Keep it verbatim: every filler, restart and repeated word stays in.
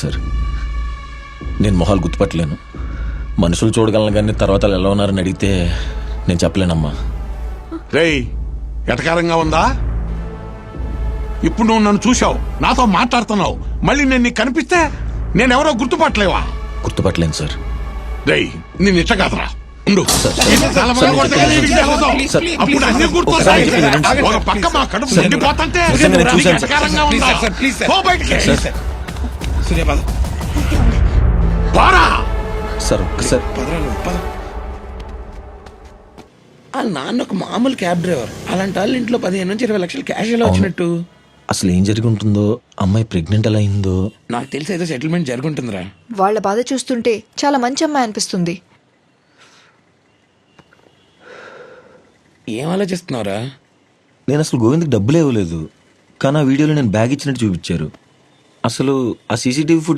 Sir. నేను మొహాలు గుర్తుపట్టలేను, మనుషులు చూడగలను, కానీ తర్వాత వాళ్ళు ఎలా ఉన్నారని అడిగితే నేను చెప్పలేనమ్మా. రేయ్, ఎటకారంగా ఉందా? ఇప్పుడు నువ్వు నన్ను చూసావు, నాతో మాట్లాడుతున్నావు, మళ్ళీ నేను నీకు కనిపిస్తే నేనెవరో గుర్తుపట్టలేవా? గుర్తుపట్టలేను సార్. రేయ్, నేను ఇట్ట కాదురా, ఉండు. ఇది చాలా బాగా కొడితే కానీ నీకు తెలుసు. అప్పుడు అన్ని గుర్తొస్తాయి. ఒక పక్క మా కడుపు నిండిపోతుంటే నీకు ఎటకారంగా ఉందా? పో బయటికి. పోరా. సార్ ఒక్కసారి వాళ్ళ నాన్న ఒక మామూలు క్యాబ్ డ్రైవర్, అలాంటి వాళ్ళ ఇంట్లో పదిహేను నుంచి ఇరవై లక్షలు క్యాష్ ఎలా వచ్చినట్టు? అసలు ఏం జరిగి ఉంటుందో, అమ్మాయి ప్రెగ్నెంట్ ఎలా అయిందో. నాకు తెలిసి ఏదో సెటిల్మెంట్ జరుగుంటుందిరా. వాళ్ళ బాధ చూస్తుంటే చాలా మంచి అమ్మాయి అనిపిస్తుంది. ఏం ఆలోచిస్తున్నావురా? నేను అసలు గోవింద్కి డబ్బులు ఇవ్వలేదు, కానీ ఆ వీడియోలో నేను బ్యాగ్ ఇచ్చినట్టు చూపించారు. అసలు ఆ సీసీటీవీ ఫుటేజ్